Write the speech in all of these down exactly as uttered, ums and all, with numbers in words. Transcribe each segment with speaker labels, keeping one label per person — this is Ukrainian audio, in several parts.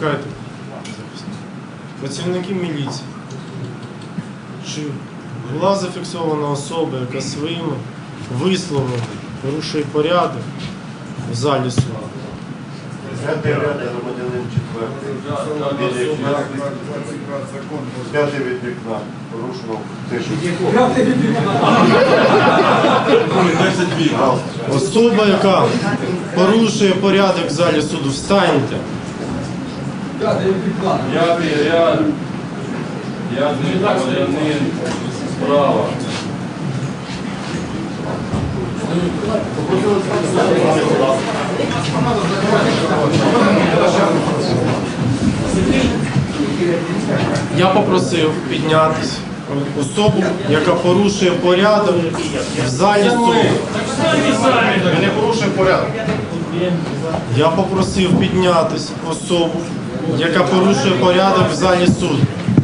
Speaker 1: Почекайте. Працівники міліції. Чи була зафіксована особа, яка своїми висловами порушує порядок в залі суду?
Speaker 2: П'ятий ряд, громадянин четвертий. П'ятий від вікна. Порушував тишу.
Speaker 1: Особа, яка порушує порядок в залі суду, встаньте.
Speaker 3: Я, я, я, я не громадянин справа.
Speaker 1: Я попросив піднятися особу, яка порушує порядок в залі суду.
Speaker 2: Ми не порушуємо порядок.
Speaker 1: Я попросив піднятися особу, яка порушує порядок в залі суду.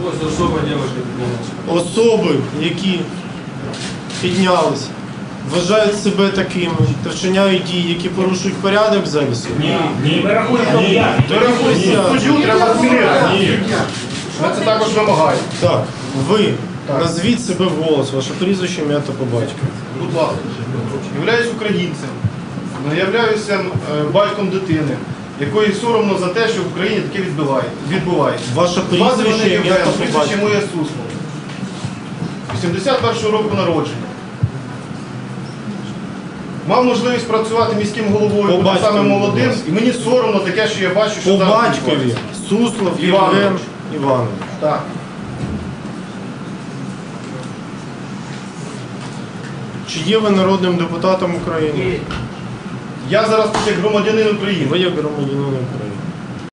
Speaker 1: Особи, які піднялися, вважають себе такими та вчиняють дії, які порушують порядок в залі суду.
Speaker 4: Ні, ні, ми рахуємо,
Speaker 1: Ні.
Speaker 2: Суддю треба змінити.
Speaker 1: Ні.
Speaker 2: Ми це також вимагаємо.
Speaker 1: Так, ви назвіть себе вголос, ваше прізвище, ім'я та по батькові.
Speaker 2: Будь ласка. Являюсь українцем. Являюся е, батьком дитини, якої соромно за те, що в Україні таке відбувається.
Speaker 1: Ваше
Speaker 2: Звати мене
Speaker 1: прізвище, ім'я
Speaker 2: Євген,
Speaker 1: та по
Speaker 2: прізвище
Speaker 1: батькові.
Speaker 2: моє Суслов. вісімдесят першого року народження. Мав можливість працювати міським головою,
Speaker 1: По
Speaker 2: бути
Speaker 1: батькові,
Speaker 2: саме
Speaker 1: будь
Speaker 2: молодим,
Speaker 1: ласка.
Speaker 2: і мені соромно таке, що я бачу, що
Speaker 1: По
Speaker 2: зараз
Speaker 1: батькові
Speaker 2: відбувається.
Speaker 1: Суслов
Speaker 2: Іванович.
Speaker 1: Євген Іванович.
Speaker 2: Так.
Speaker 1: Чи є ви народним депутатом України?
Speaker 2: Я зараз тут як громадянин України.
Speaker 1: Ви як громадянин України.